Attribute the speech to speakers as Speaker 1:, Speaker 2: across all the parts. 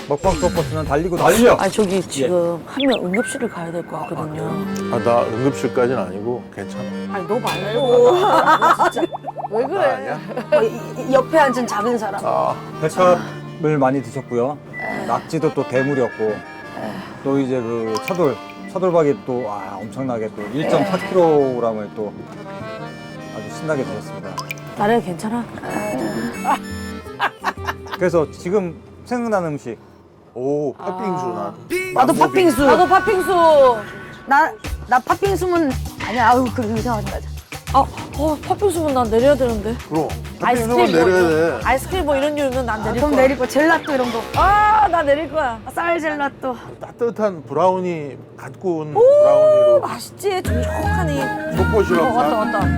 Speaker 1: 먹방 투어 버스는 달리고 달려.
Speaker 2: 아 저기 지금 한 명 응급실을 가야 될 것 같거든요.
Speaker 3: 아, 나 응급실까지는 아니고 괜찮아.
Speaker 2: 아니 너 말고. 너 진짜 왜
Speaker 3: 나
Speaker 2: 그래?
Speaker 3: 아니야?
Speaker 4: 옆에 앉은 작은 사람.
Speaker 3: 아,
Speaker 1: 백합을 많이 드셨고요. 낙지도 또 대물이었고, 또 이제 그 차돌박이 또 엄청나게 또 1.4kg을 또 아주 신나게 드셨습니다.
Speaker 2: 나래 괜찮아?
Speaker 1: 그래서 지금 생각나는 음식
Speaker 3: 오, 팥빙수 난.
Speaker 4: 나도 팥빙수.
Speaker 2: 나도 팥빙수.
Speaker 4: 나 팥빙수면 아니야. 아우 그 이상하지 마자.
Speaker 2: 팥빙수면 난 내려야 되는데.
Speaker 3: 그럼.
Speaker 2: 아이스크림
Speaker 3: 팥빙수만
Speaker 2: 뭐
Speaker 3: 내려야
Speaker 2: 이런,
Speaker 3: 돼.
Speaker 2: 아이스크림 뭐 이런 류면 난 내릴
Speaker 4: 그럼
Speaker 2: 거야.
Speaker 4: 내릴 거 젤라또 이런 거.
Speaker 2: 나 내릴 거야.
Speaker 4: 쌀 젤라또.
Speaker 3: 따뜻한 브라우니, 갓 구운 브라우니로.
Speaker 2: 맛있지? 촉촉하니.
Speaker 3: 족보시럽
Speaker 2: 왔다 왔다.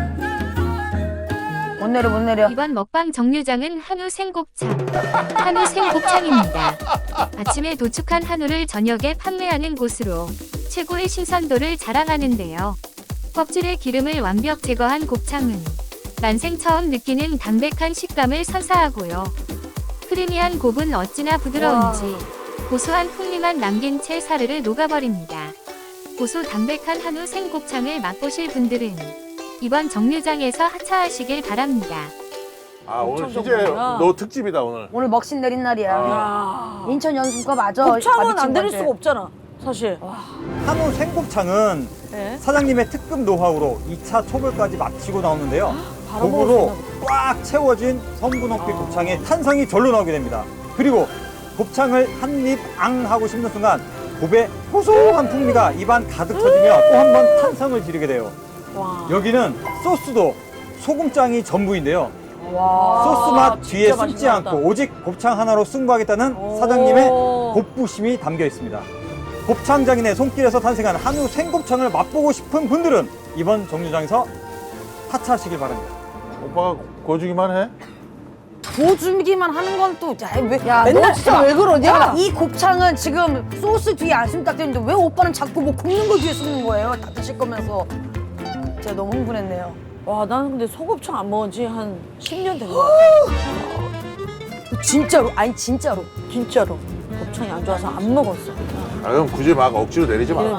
Speaker 4: 못 내려 못 내려.
Speaker 5: 이번 먹방 정류장은 한우 생곱창. 한우 생곱창입니다. 아침에 도축한 한우를 저녁에 판매하는 곳으로 최고의 신선도를 자랑하는데요. 껍질의 기름을 완벽 제거한 곱창은 난생 처음 느끼는 담백한 식감을 선사하고요. 크리미한 곱은 어찌나 부드러운지 고소한 풍미만 남긴 채 사르르 녹아버립니다. 고소 담백한 한우 생곱창을 맛보실 분들은 이번 정류장에서 하차하시길 바랍니다.
Speaker 3: 아, 오늘
Speaker 2: 엄청
Speaker 3: 희재
Speaker 2: 좋구나.
Speaker 3: 너 특집이다, 오늘.
Speaker 4: 오늘 먹신 내린 날이야.
Speaker 2: 야.
Speaker 4: 인천 연수가 맞아.
Speaker 2: 곱창은
Speaker 4: 마비친
Speaker 2: 안 내릴
Speaker 4: 건데.
Speaker 2: 수가 없잖아. 사실.
Speaker 1: 한우 생곱창은
Speaker 2: 네.
Speaker 1: 사장님의 특급 노하우로 2차 초벌까지 마치고 나오는데요.
Speaker 2: 바로
Speaker 1: 고구로 꽉 채워진 성분 높이 곱창의 탄성이 절로 나오게 됩니다. 그리고 곱창을 한 입 앙 하고 씹는 순간 곱의 고소한 풍미가 입안 가득 터지며 또 한 번 탄성을 지르게 돼요.
Speaker 2: 와.
Speaker 1: 여기는 소스도 소금장이 전부인데요.
Speaker 2: 와.
Speaker 1: 소스 맛 뒤에
Speaker 2: 진짜
Speaker 1: 숨지
Speaker 2: 맛있나
Speaker 1: 않고
Speaker 2: 보다.
Speaker 1: 오직 곱창 하나로 승부하겠다는
Speaker 2: 오.
Speaker 1: 사장님의 곱부심이 담겨 있습니다. 곱창 장인의 손길에서 탄생한 한우 생곱창을 맛보고 싶은 분들은 이번 정류장에서 하차하시길 바랍니다.
Speaker 3: 오빠가 구워주기만 해?
Speaker 4: 구워주기만 하는 건 또,
Speaker 2: 야, 너 진짜 왜 그러냐?
Speaker 4: 잠깐만, 이 곱창은 지금 소스 뒤에 안심 딱 되는데 왜 오빠는 자꾸 뭐 굽는 거 뒤에 굽는 거예요? 다 드실 거면서. 제가 너무 흥분했네요.
Speaker 2: 와, 나는 근데 소곱창 안 먹은 지 한 10년 된 것 같아.
Speaker 4: 진짜로, 아니 진짜로.
Speaker 2: 진짜로. 곱창이 안 좋아서 안 먹었어.
Speaker 3: 아, 그럼 굳이 막 억지로 내리지 마.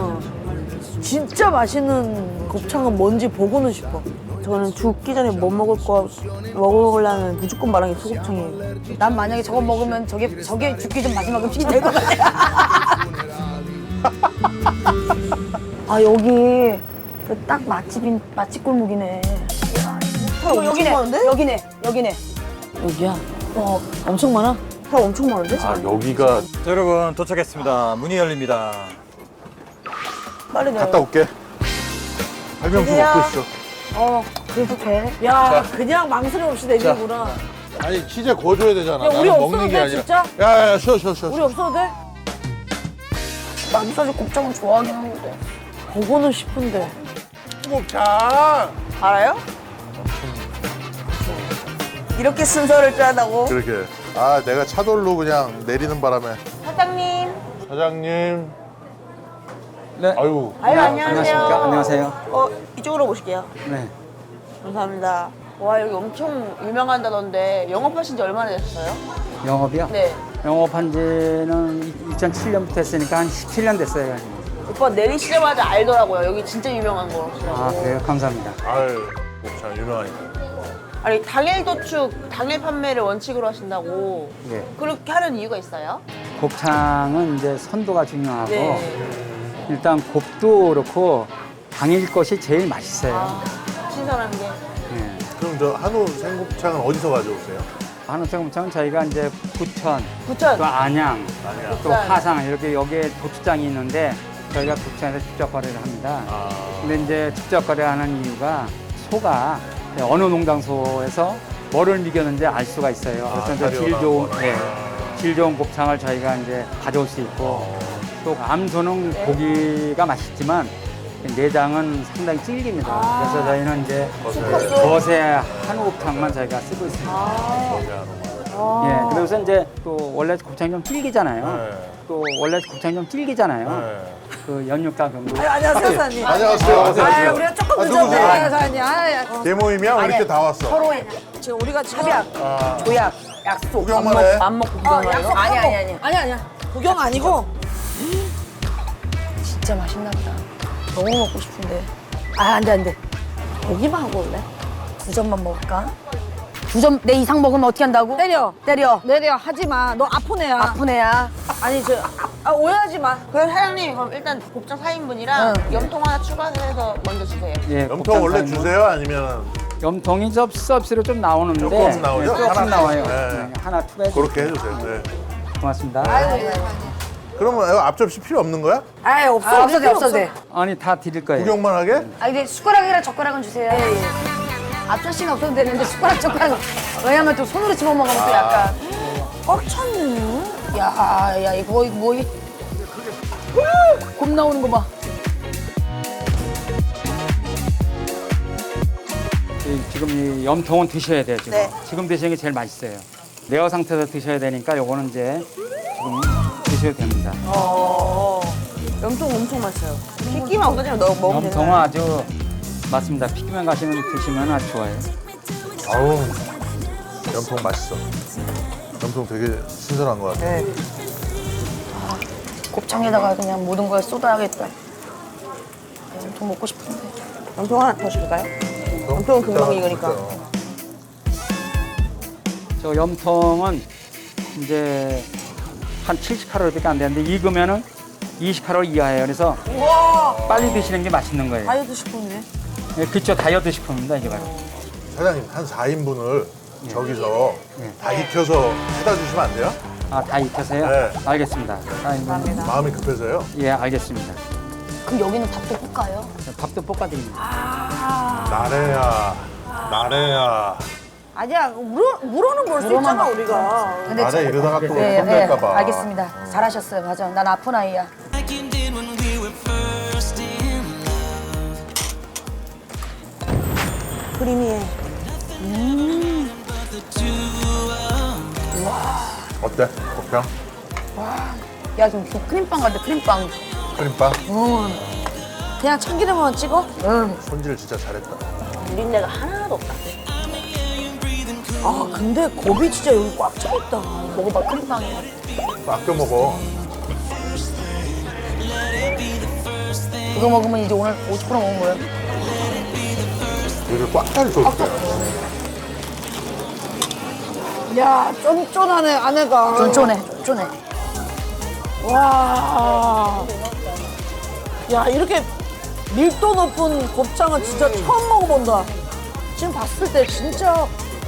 Speaker 2: 진짜 맛있는 곱창은 뭔지 보고는 싶어. 저는 죽기 전에 뭐 먹으려면 무조건 말하는 게 소곱창이에요.
Speaker 4: 난 만약에 저거 먹으면 저게 죽기 전 마지막 음식이 될 것 같아. 아 여기 그 딱 맛집 골목이네. 여기네.
Speaker 2: 여기야? 엄청 많아?
Speaker 4: 살 엄청 많은데?
Speaker 3: 아, 여기가.
Speaker 1: 자, 여러분 도착했습니다. 문이 열립니다.
Speaker 4: 빨리 내려.
Speaker 3: 갔다 올게. 발명수
Speaker 4: 저기요.
Speaker 3: 먹고 있어.
Speaker 4: 그래도 돼?
Speaker 2: 야, 그냥 망설임 없이 내리는구나.
Speaker 3: 아니, 희재 구워줘야 되잖아.
Speaker 2: 야, 우리
Speaker 3: 나는
Speaker 2: 없어도
Speaker 3: 먹는 게
Speaker 2: 돼,
Speaker 3: 아니라.
Speaker 2: 진짜?
Speaker 3: 야, 쉬어.
Speaker 2: 우리 없어도 돼?
Speaker 4: 나도 사실 곱창은 좋아하긴 하는데.
Speaker 2: 보고는 싶은데.
Speaker 3: 곱창!
Speaker 4: 알아요? 이렇게 순서를 짜다고?
Speaker 3: 그렇게. 아, 내가 차돌로 그냥 내리는 바람에.
Speaker 4: 사장님.
Speaker 3: 사장님.
Speaker 1: 네.
Speaker 3: 아유.
Speaker 4: 안녕하세요.
Speaker 1: 안녕하세요.
Speaker 4: 이쪽으로 모실게요.
Speaker 1: 네.
Speaker 4: 감사합니다. 와, 여기 엄청 유명한다던데 영업하신 지 얼마나 되셨어요?
Speaker 6: 영업이요?
Speaker 4: 네.
Speaker 6: 영업한 지는 2007년부터 했으니까 한 17년 됐어요.
Speaker 4: 오빠 내리시자마자 알더라고요. 여기 진짜 유명한 거라고.
Speaker 6: 아, 그래요? 감사합니다.
Speaker 3: 아유, 곱창 유명하니까.
Speaker 4: 아니, 당일 도축, 당일 판매를 원칙으로 하신다고.
Speaker 6: 예.
Speaker 4: 그렇게 하는 이유가 있어요?
Speaker 6: 곱창은 이제 선도가 중요하고
Speaker 4: 네.
Speaker 6: 일단 곱도 그렇고 당일 것이 제일 맛있어요.
Speaker 4: 신선한 게.
Speaker 6: 예.
Speaker 3: 그럼 저 한우 생곱창은 어디서 가져오세요?
Speaker 6: 한우 생곱창은 저희가 이제 부천,
Speaker 4: 부천.
Speaker 6: 또 안양, 또
Speaker 4: 부천.
Speaker 6: 화상 이렇게 여기에 도축장이 있는데 저희가 부천에서 직접 거래를 합니다. 근데 이제 직접 거래하는 이유가 소가 어느 농장소에서 뭐를 미겼는지 알 수가 있어요. 그래서 이제 질 좋은 곱창을 저희가 이제 가져올 수 있고 또 암소는 고기가 맛있지만 내장은 상당히 질깁니다. 그래서 저희는 이제 거세 한우 곱창만 저희가 쓰고 있습니다. 예, 그래서 이제 또 원래 곱창이 좀 질기잖아요. 또 원래 곱창이 좀 질기잖아요. 그 연육가 경도.
Speaker 2: 안녕하세요, 사장님.
Speaker 3: 안녕하세요.
Speaker 2: 아, 우리가 조금 늦었네,
Speaker 3: 누구세요?
Speaker 2: 사장님.
Speaker 3: 대모임이야? 왜 이렇게 다 왔어?
Speaker 4: 서로의
Speaker 2: 지금 우리가
Speaker 4: 협약, 조약.
Speaker 2: 약속.
Speaker 3: 구경만 해.
Speaker 2: 안 먹고 구경하는
Speaker 4: 약속
Speaker 2: 거?
Speaker 4: 아니.
Speaker 2: 아니야. 구경 아니고
Speaker 4: 진짜 맛있나 보다.
Speaker 2: 너무 먹고 싶은데.
Speaker 4: 아, 안 돼.
Speaker 2: 고기만 하고 올래?
Speaker 4: 2점만 먹을까? 2점 내 이상 먹으면 어떻게 한다고?
Speaker 2: 때려.
Speaker 4: 때려.
Speaker 2: 내려 하지 마. 너 아픈 애야.
Speaker 4: 아픈 애야.
Speaker 2: 아니 오해하지 마. 그럼 사장님 그럼 일단 곱창 4인분이랑 염통 하나 추가해서 먼저 주세요.
Speaker 6: 예,
Speaker 3: 염통
Speaker 6: 곱창
Speaker 3: 원래
Speaker 6: 사인분.
Speaker 3: 주세요? 아니면
Speaker 6: 염통이 좀 서비스로 좀 나오는데
Speaker 3: 조금 나오죠?
Speaker 6: 조금
Speaker 3: 하나씩.
Speaker 6: 나와요.
Speaker 3: 네.
Speaker 6: 네, 하나 추가해
Speaker 3: 그렇게 해주세요. 네.
Speaker 6: 고맙습니다.
Speaker 3: 그러면 이거 앞접시 필요 없는 거야?
Speaker 4: 아이, 없어도 돼.
Speaker 6: 아니 다 드릴 거예요.
Speaker 3: 구경만 하게?
Speaker 4: 아, 이제 숟가락이랑 젓가락은 주세요. 앞접시는 없어도 되는데 숟가락, 젓가락. 왜냐면 또 손으로 집어 먹으면 또 약간.
Speaker 2: 꽉 찼네.
Speaker 4: 야, 이거 뭐, 곰 나오는 거 봐.
Speaker 6: 지금 이 염통은 드셔야 돼요. 지금.
Speaker 2: 네.
Speaker 6: 지금 드시는 게 제일 맛있어요. 레어 상태에서 드셔야 되니까 요거는 이제 지금 드셔도 됩니다.
Speaker 2: 염통 엄청 맛있어요. 핏기만 없어지면 너 먹으면 되는
Speaker 6: 염통은 아주 맞습니다. 피기만 가시면 드시면 아주 좋아요.
Speaker 3: 아우, 염통 맛있어. 염통 되게 신선한 것 같아.
Speaker 2: 네.
Speaker 4: 곱창에다가 그냥 모든 걸 쏟아야겠다. 엄청 먹고 싶은데.
Speaker 2: 염통 하나 더 줄까요? 염통은 금방 익으니까.
Speaker 6: 저 염통은 이제 한 70칼로리밖에 안 되는데 익으면은 20칼로리 이하예요. 그래서 빨리 드시는 게 맛있는 거예요.
Speaker 2: 다이어트 식품이네.
Speaker 6: 예, 그렇죠. 다이어트 식품입니다. 이게 바로.
Speaker 3: 사장님, 한 4인분을 저기서
Speaker 6: 예.
Speaker 3: 다 익혀서 해다 주시면 안 돼요?
Speaker 6: 아, 다 익혀서요?
Speaker 3: 네.
Speaker 6: 알겠습니다.
Speaker 3: 마음이 급해서요.
Speaker 6: 예, 알겠습니다.
Speaker 4: 그럼 여기는 밥도 볶아요?
Speaker 6: 밥도 볶아드립니다.
Speaker 3: 나래야.
Speaker 2: 아니야, 물어는 볼 수
Speaker 4: 물어만
Speaker 2: 있잖아,
Speaker 4: 봐.
Speaker 2: 우리가.
Speaker 4: 근데
Speaker 3: 나래 이러다가 또
Speaker 4: 네,
Speaker 3: 혼날까봐.
Speaker 4: 알겠습니다. 잘하셨어요. 맞아. 난 아픈 아이야.
Speaker 2: 크리미해.
Speaker 3: 어때? 곱창?
Speaker 4: 야, 지금 크림빵 같아, 크림빵.
Speaker 3: 크림빵?
Speaker 2: 그냥 참기름만 찍어?
Speaker 3: 손질 진짜 잘했다.
Speaker 2: 비린내가 하나도 없다. 아, 근데 곱이 진짜 여기 꽉 차 있다.
Speaker 4: 먹어봐, 크림빵이야.
Speaker 3: 아껴 먹어.
Speaker 4: 이거 먹으면 이제 오늘 50% 먹은 거예요.
Speaker 3: 여기 꽉 차있어.
Speaker 2: 야, 쫀쫀하네, 안에가.
Speaker 4: 쫀쫀해.
Speaker 2: 와. 야, 이렇게 밀도 높은 곱창은 진짜 처음 먹어본다. 지금 봤을 때 진짜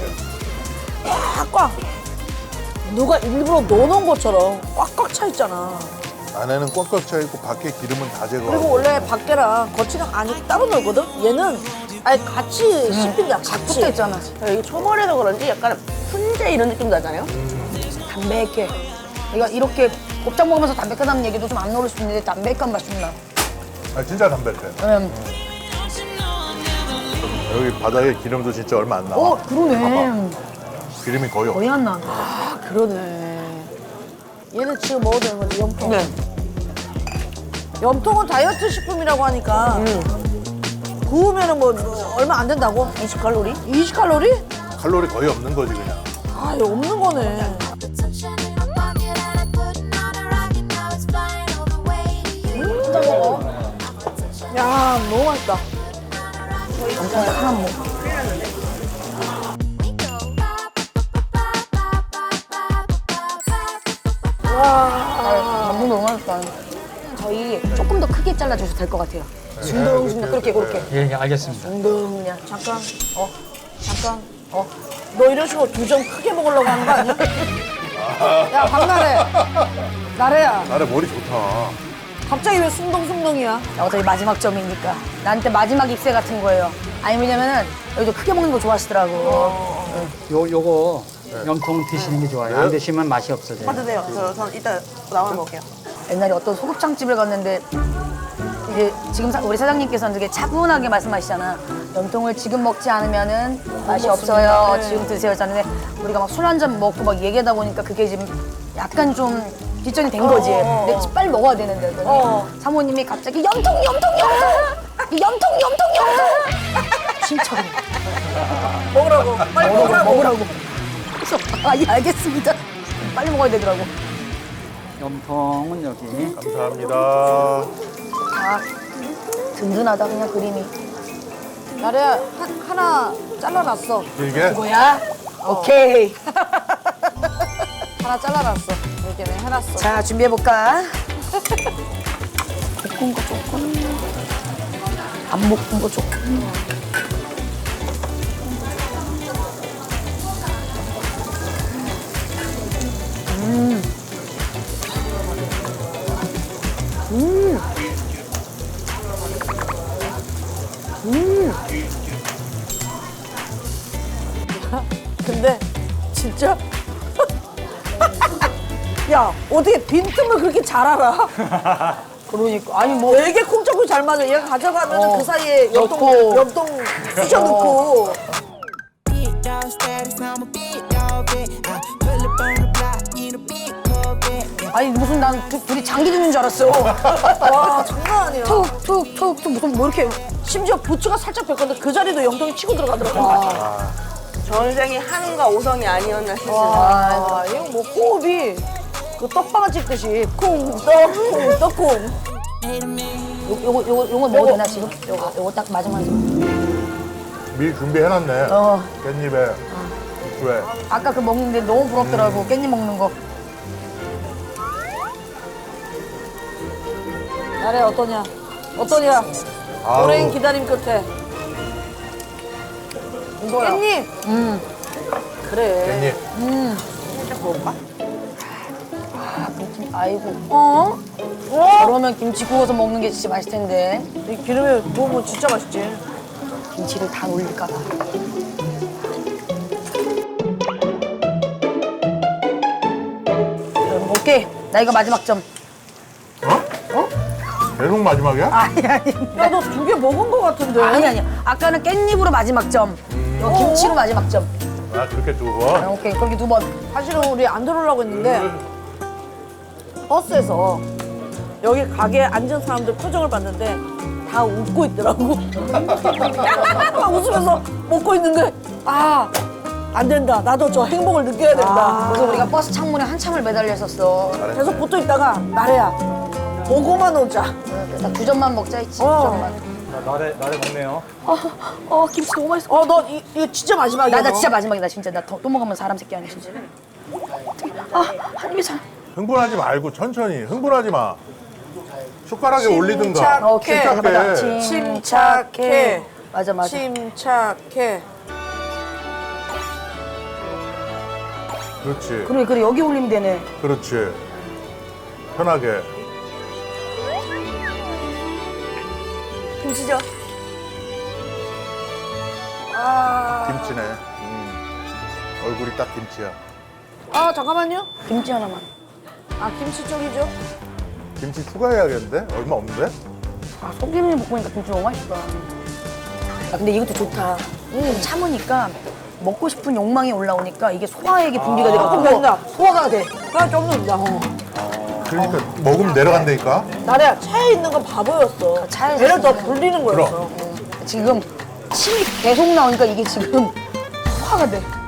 Speaker 2: 꽉꽉 누가 일부러 넣어놓은 것처럼 꽉꽉 차 있잖아.
Speaker 3: 안에는 꽉꽉 차있고 밖에 기름은 다 제거하고.
Speaker 2: 그리고 원래 밖에랑 겉이랑 안이 따로 놀거든? 얘는 아예 같이 씹힌다, 같이.
Speaker 4: 붙어 있잖아.
Speaker 2: 이게 초벌해서 그런지 약간 훈제 이런 느낌 나잖아요?
Speaker 4: 담백해. 이거 이렇게 곱창 먹으면서 담백하다는 얘기도 좀 안 나올 수 있는데 담백한 맛이 좀 나.
Speaker 3: 아, 진짜 담백해. 여기 바닥에 기름도 진짜 얼마 안 나와.
Speaker 4: 그러네.
Speaker 3: 기름이 거의 없어.
Speaker 4: 거의 안 나.
Speaker 2: 아, 그러네. 얘는 지금 먹어도 되는 거지, 염통.
Speaker 4: 네.
Speaker 2: 염통은 다이어트 식품이라고 하니까 구우면은 뭐 얼마 안 된다고? 20칼로리? 20칼로리?
Speaker 3: 칼로리 거의 없는 거지 그냥.
Speaker 2: 아, 이거 없는 거네.
Speaker 4: 진짜 먹어.
Speaker 2: 야, 너무 맛있다.
Speaker 4: 엄청 딱 하나 먹어. 너무 맛있다. 저희 조금 더 크게 잘라줘도 될 것 같아요. 중동중동 그렇게.
Speaker 6: 예, 알겠습니다.
Speaker 2: 그냥 잠깐, 너 이런 식으로 2점 크게 먹으려고 하는 거 아니야? 야, 박나래. 나래야.
Speaker 3: 나래 머리 좋다.
Speaker 2: 갑자기 왜 숭덩숭덩이야?
Speaker 4: 어차피 마지막 점이니까. 나한테 마지막 입새 같은 거예요. 아니 왜냐면은 여기도 크게 먹는 거 좋아하시더라고.
Speaker 6: 요거 염통 드시는 게 좋아요. 안 드시면 맛이 없어져요.
Speaker 2: 하도 돼요. 전 이따 나오면 먹을게요.
Speaker 4: 옛날에 어떤 소곱창집을 갔는데 이제 지금 우리 사장님께서는 되게 차분하게 말씀하시잖아. 염통을 지금 먹지 않으면은 맛이 없어요. 지금 드세요. 하는데 우리가 막 술 한 잔 먹고 막 얘기하다 보니까 그게 지금 약간 좀 뒷전이 된 거지. 근데 빨리 먹어야 되는데 그랬더니 사모님이 갑자기 염통! 진짜
Speaker 2: 먹으라고. 빨리 먹으라고.
Speaker 4: 그래서 아, 예, 알겠습니다. 빨리 먹어야 되더라고.
Speaker 6: 염통은 여기.
Speaker 3: 감사합니다.
Speaker 4: 아, 든든하다, 그냥 그림이.
Speaker 2: 나래야 하나 잘라놨어.
Speaker 3: 길게?
Speaker 4: 뭐야? 오케이.
Speaker 2: 하나 잘라놨어. 이렇게 내가 해놨어.
Speaker 4: 자, 준비해볼까?
Speaker 2: 볶은 거 조금.
Speaker 4: 안 볶은 거 조금.
Speaker 2: 근데 진짜 야 어떻게 빈틈을 그렇게 잘 알아?
Speaker 4: 그러니까. 아니, 뭐.
Speaker 2: 되게 콩짝콩 잘 맞아. 얘가 가져가면 그 사이에
Speaker 4: 넣고.
Speaker 2: 엽동 쑤셔 넣고.
Speaker 7: Big dog status, I'm a big dog vet. I pull up on the block in a big Corvette.
Speaker 4: 아니, 무슨 난 둘이 장기 듣는 줄 알았어.
Speaker 2: 와 장난 아니야.
Speaker 4: 툭툭툭 무슨 뭐 이렇게.
Speaker 2: 심지어 부츠가 살짝 벗겼는데 그 자리도 영동이 치고 들어가더라고.
Speaker 8: 전생이 한과 오성이 아니었나 싶습니다.
Speaker 2: 와, 이거 뭐 호흡이 그 떡방아 찍듯이 콩떡콩 떡콩.
Speaker 4: 요거 먹어도 되나, 지금? 요거 딱 마지막에.
Speaker 3: 미리 준비해놨네.
Speaker 4: 어.
Speaker 3: 깻잎에 왜?
Speaker 4: 아까 그 먹는데 너무 부럽더라고, 깻잎 먹는 거.
Speaker 2: 나래 어떠냐? 어떠냐?
Speaker 3: 아우.
Speaker 2: 오랜 기다림 끝에.
Speaker 4: 이거야.
Speaker 2: 깻잎. 그래.
Speaker 3: 깻잎.
Speaker 4: 아이고.
Speaker 2: 어?
Speaker 4: 그러면 김치 구워서 먹는 게 진짜 맛있을 텐데.
Speaker 2: 이 기름에 구우면 진짜 맛있지.
Speaker 4: 김치를 다 놀릴까 봐. 오케이. 나 이거 마지막 점.
Speaker 3: 계속 마지막이야?
Speaker 4: 아니.
Speaker 2: 야, 너 두 개 먹은 거 같은데?
Speaker 4: 아니. 아까는 깻잎으로 마지막 점. 이거 김치로 마지막 점.
Speaker 3: 아, 그렇게 두 번?
Speaker 4: 오케이. 그렇게 두 번.
Speaker 2: 사실은 우리 안 들어오려고 했는데 버스에서 여기 가게에 앉은 사람들 표정을 봤는데 다 웃고 있더라고. 막 웃으면서 먹고 있는데 안 된다. 나도 저 행복을 느껴야 된다.
Speaker 4: 그래서 우리가 버스 창문에 한참을 매달려 있었어.
Speaker 2: 계속 붙어 있다가 나래야 보고만 오자.
Speaker 4: 나 두 점만 먹자 했지. 두
Speaker 2: 어.
Speaker 4: 점만.
Speaker 1: 나래 먹네요.
Speaker 4: 김치 너무 맛있어.
Speaker 2: 너 이거 진짜 마지막이야.
Speaker 4: 나 진짜 마지막이다. 진짜 나 또 먹으면 사람 새끼 아니야 진짜. 한 입에 잘.
Speaker 3: 흥분하지 말고 천천히. 흥분하지 마. 숟가락에 올리든가.
Speaker 4: 오케이.
Speaker 3: 침착해.
Speaker 2: 침착해.
Speaker 4: 맞아.
Speaker 2: 침착해.
Speaker 3: 그렇지.
Speaker 4: 그래 여기 올리면 되네.
Speaker 3: 그렇지. 편하게.
Speaker 2: 김치죠?
Speaker 3: 김치네. 얼굴이 딱 김치야.
Speaker 2: 잠깐만요.
Speaker 4: 김치 하나만.
Speaker 2: 김치 쪽이죠?
Speaker 3: 김치 추가해야겠는데? 얼마 없는데?
Speaker 4: 소금을 볶으니까 김치 너무 맛있다. 근데 이것도 좋다. 참으니까 먹고 싶은 욕망이 올라오니까 이게 소화액이 분비가
Speaker 2: 조금
Speaker 4: 돼갖고
Speaker 2: 된다.
Speaker 4: 소화가 돼.
Speaker 2: 좀 된다.
Speaker 3: 그러니까 먹으면 내려간다니까?
Speaker 2: 나래야 차에 있는 건 바보였어.
Speaker 4: 차에서
Speaker 2: 배를 더
Speaker 4: 있으면.
Speaker 2: 불리는 거였어.
Speaker 4: 지금 침이 계속 나오니까 이게 지금 소화가 돼.